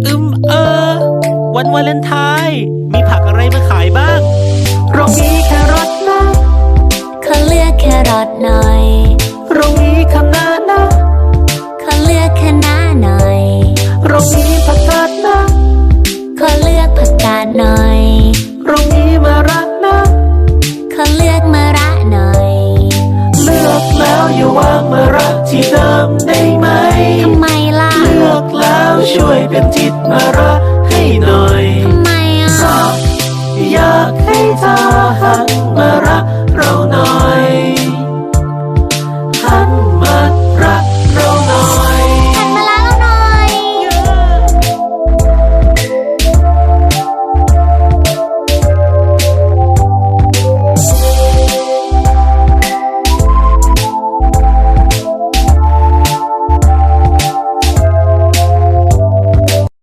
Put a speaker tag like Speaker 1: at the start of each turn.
Speaker 1: อืมวันวาเลนไทน์มีผักอะไรมาขายบ้างโรงนี้แครอทนะ
Speaker 2: ขอเลือกแครอทหน่อย
Speaker 1: โรงนี้คะน้านะ
Speaker 2: ขอเลือกคะน้าหน่อย
Speaker 1: โรงนี้ผักกาดนะ
Speaker 2: ขอเลือกผักกาดหน่อย
Speaker 1: โรงนี้มะระนะ
Speaker 2: ขอเลือกมะระหน่อย
Speaker 1: เลือกแล้วอย่าวางมะระที่เดิมได้ไหม
Speaker 2: ทำไมล่ะ
Speaker 1: เลือกแล้วช่วยเป็นจิตมะระ